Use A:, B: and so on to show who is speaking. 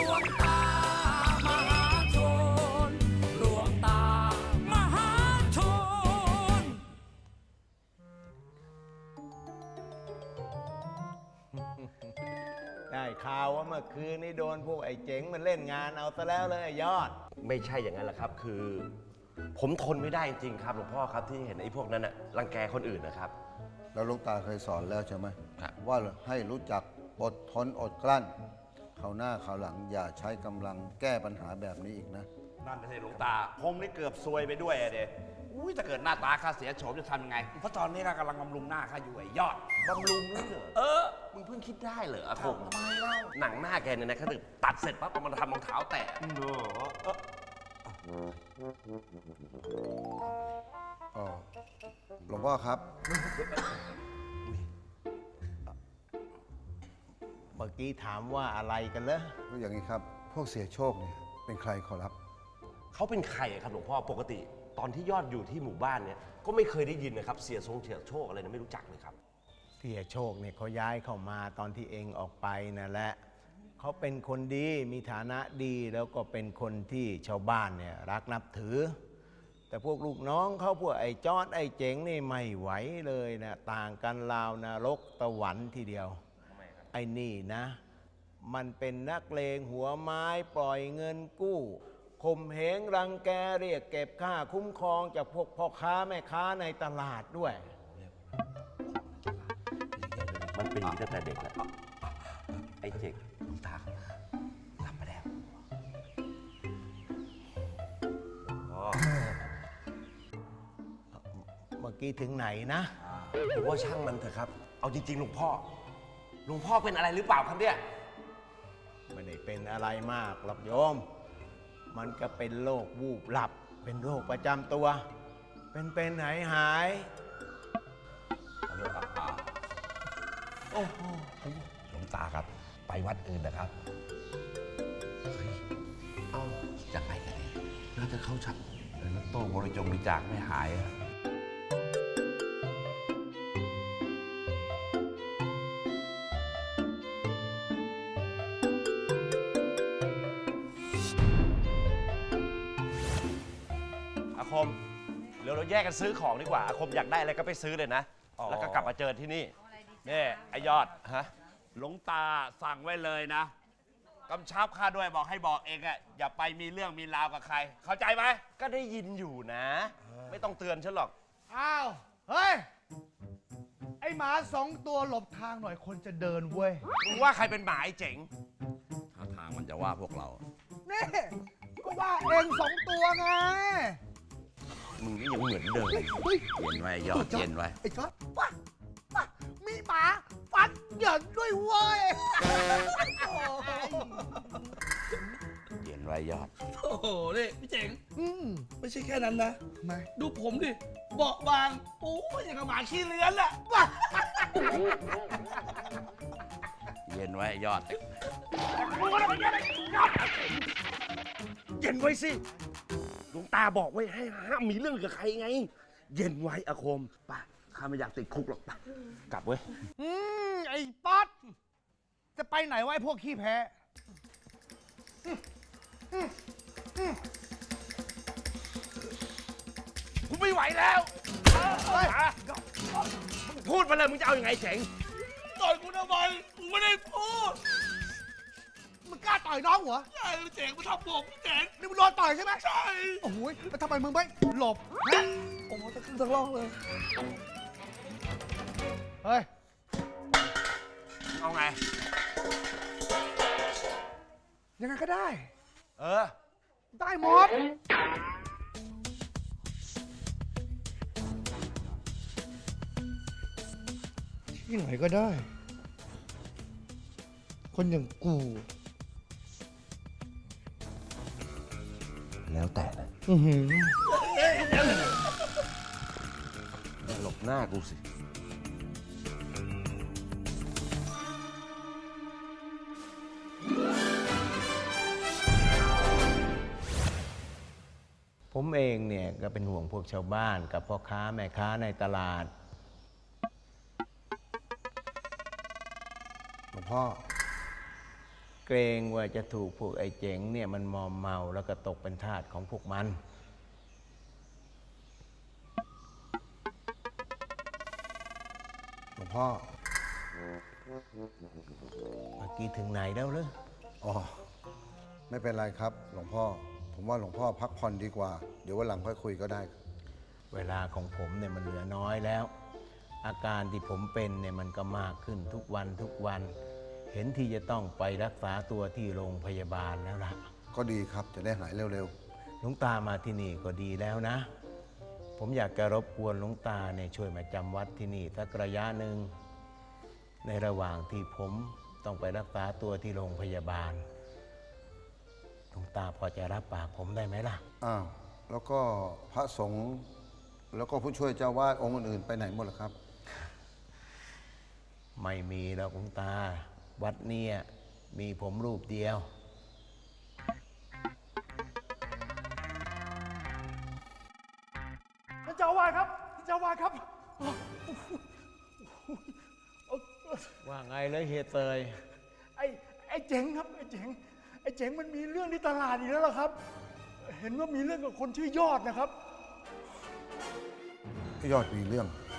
A: วงตามหาชนหลวงตามหาชน
B: ได้ข่าวว่าเมื่อคืนนี้โดนพวกไอ้เจ๋งมันเล่นงานเอาซะแล้วเลยไอ้ยอด
C: ไม่ใช่อย่างนั้นแหละครับ คือ ผมทนไม่ได้จริงๆครับหลวงพ่อครับที่เห็นไอ้พวกนั้นน่ะรังแกคนอื่นนะครับ
D: แล้วหลูกตาเคยสอนแล้วใช่ไหม
C: ครับ
D: ว่าให้รู้จักอดทนอดกลั้นคราวหน้าคราวหลังอย่าใช้กำลังแก้ปัญหาแบบนี้อีกนะ
E: นั่นไม่ใช่หลวงตา ผมนี่เกือบซวยไปด้วยอะเด็อุ้ยถ้าเกิดหน้าตาข้าเสียโฉมจะทำยังไง เพราะตอนนี้ข้ากำลังบำรุงหน้าข้าอยู่ไอ้ยอด
C: บำรุงเลยเหรอมึงเพิ่งคิดได้เหรออาคมทำไมเล่าหนังหน้าแกเนี่ยนะเขาถึงตัดเสร็จปั๊บเอามาทำรองเท้าแตะ
D: อ๋อ หลวงพ่อครับ
B: เมื่อกี้ถามว่าอะไรกันเหรอ
D: ก็อย่างนี้ครับ พวกเสียโชคเนี่ยเป็นใครขอรับ
C: เขาเป็นใครอะครับหลวงพ่อปกติ ตอนที่ยอดอยู่ที่หมู่บ้านเนี่ยก็ไม่เคยได้ยินนะครับเสียโชคอะไรนะไม่รู้จักเลยครับ
B: เสียโชคเนี่ยเขาย้ายเข้ามาตอนที่เองออกไปนั่นแหละเขาเป็นคนดีมีฐานะดีแล้วก็เป็นคนที่ชาวบ้านเนี่ยรักนับถือ แต่พวกลูกน้องเขาพวกไอ้จอดไอ้เจ๋งนี่ไม่ไหวเลยนะต่างกันราวนรกตะหวันทีเดียวไอ้นี่นะ มันเป็นนักเลงหัวไม้ปล่อยเงินกู้ข่มเหงรังแกเรียกเก็บค่าคุ้มครองจากพวกพ่อค้าแม่ค้าในตลาดด้วย
C: มันเป็นอย่างนี้ตั้งแต่เด็กแล้วไอ้เจ๊กหลวงตาทำไปแล้วอ๋อ
B: เมื่อกี้ถึงไหนนะ
C: ผมว่าช่างมันเถอะครับ เอาจริงๆหลวงพ่อเป็นอะไรหรือเปล่าครับเนี่ย
B: ไม่ได้เป็นอะไรมากหรอกโยม มันก็เป็นโรควูบหลับ เป็นโรคประจำตัว เป็นหาย
E: โอ้โหหลวงตาครับ ไปวัดอื่นนะครับ
C: เอาจะไปกันเลยน่าจะเข้าชัก
E: แล้วโต้บริจาคไม่หายอะ
C: อาคมเดี๋ยวเราแยกกันซื้อของดีกว่าอาคมอยากได้อะไรก็ไปซื้อเลยนะ แล้วก็กลับมาเจอที่นี่
E: นี่ไอ้ยอด
C: ฮะ
E: หลวงตาสั่งไว้เลยนะกำชับข้าด้วยบอกให้บอกเองอะอย่าไปมีเรื่องมีราวกับใคร เข้าใจไหม
C: ก็ได้ยินอยู่นะ ไม่ต้องเตือนฉันหรอก
F: อ้าว เฮ้ย ไอหมา2 ตัวหลบทางหน่อยคนจะเดินเว้ย
C: มึงว่าใครเป็นหมาไอ้เจ๋ง
E: ถ้าทางมันจะว่าพวกเรา
F: นี่ ก็ว่าเอง2 ตัวไง
C: มึงนี่ยังเหมือนเดิม
F: เฮ้ย
E: เย็นไว้ยอดเย็นไว้
F: ไอ้จอดว้ามีหมาฟันเหยินด้วยเว้ย
E: เย็นไว้ยอด
A: โอ้โห นี่พี่เจ๋ง
F: อืม
A: ไม่ใช่แค่นั้นนะ
F: ทำไม
A: ดูผมดิ เบาะบาง โอ้ยอย่างกับหมาขี้เลื้อนอะ
E: เย็นไว้ยอด
C: เย็นไว้สิหลวงตาบอกไว้ให้ห้ามมีเรื่องกับใครไง เย็นไว้อาคมไป่ะข้าไม่อยากติดคุกหรอกไปกลับเว้ย
F: ไอ้ป๊อตจะไปไหนวะไอ้พวกขี้แพ้
C: กูไม่ไหวแล้ว
F: เฮ้ย
C: มึงพูดมาเลยมึงจะเอาอยัางไงเจ๋ง
A: ต่อยกูทำไมกูไม่ได้พูด
F: มึงกล้าต่อยน้องเหรอ
A: ใช่พี่เจ๋งมาทำผมพี่เจ๋ง
F: นี่มึงโดนต่อยใช่ไหม
A: ใช่
F: โอ้โหแล้วทำไมมึงไม่หลบฮะ
A: โอ้โหทั้งขึ้นทั้งล่องเลย
F: เฮ้ย
C: เอาไง
F: ยังไงก็ได้
C: เออ
F: ได้หมด ที่ไหนก็ได้ คนอย่างกู
C: แล้วแต่นะ
F: อือหือ
C: อย่าหลบหน้ากูสิ
B: ผมเองเนี่ยก็เป็นห่วงพวกชาวบ้านกับพ่อค้าแม่ค้าในตลาด
D: หลวงพ่อ
B: เกรงว่าจะถูกพวกไอ้เจ๋งเนี่ยมันมอมเมาแล้วก็ตกเป็นทาสของพวกมัน
D: หลวงพ่อ
B: เมื่อกี้ถึงไหนแล้วเหรอ
D: อ๋อ ไม่เป็นไรครับ หลวงพ่อ ผมว่าหลวงพ่อพักผ่อนดีกว่า เดี๋ยววันหลังค่อยคุยก็ได้
B: เวลาของผมเนี่ยมันเหลือน้อยแล้ว อาการที่ผมเป็นเนี่ยมันก็มากขึ้นทุกวันทุกวัน เห็นที่จะต้องไปรักษาตัวที่โรงพยาบาลแล้วล่ะ
D: ก็ดีครับ จะได้หายเร็ว
B: หลวงตามาที่นี่ก็ดีแล้วนะ ผมอยากจะรบกวนหลวงตาเนี่ยช่วยมาจำวัดที่นี่สักระยะหนึ่งในระหว่างที่ผมต้องไปรักษาตัวที่โรงพยาบาลหลวงตาพอจะรับปากผมได้ไหมล่ะ
D: ๆ อ้าว แล้วก็พระสงฆ์แล้วก็ผู้ช่วยเจ้าวาดองค์อื่นๆไปไหนหมดล่ะครับ
B: ไม่มีแล้วหลวงตา วัดเนี่ยมีผมรูปเดียว
F: ท่านเจ้าอาวาสครับท่านเจ้าอาวาสครับ
B: ว่าไงเลยเฮยเตย
F: ไอ้เจ๋งครับไอ้เจ๋งมันมีเรื่องที่ตลาดอีกแล้วเหรอครับ เห็นว่ามีเรื่องกับคนชื่อยอดนะครับ
D: ยอดมีเรื่อง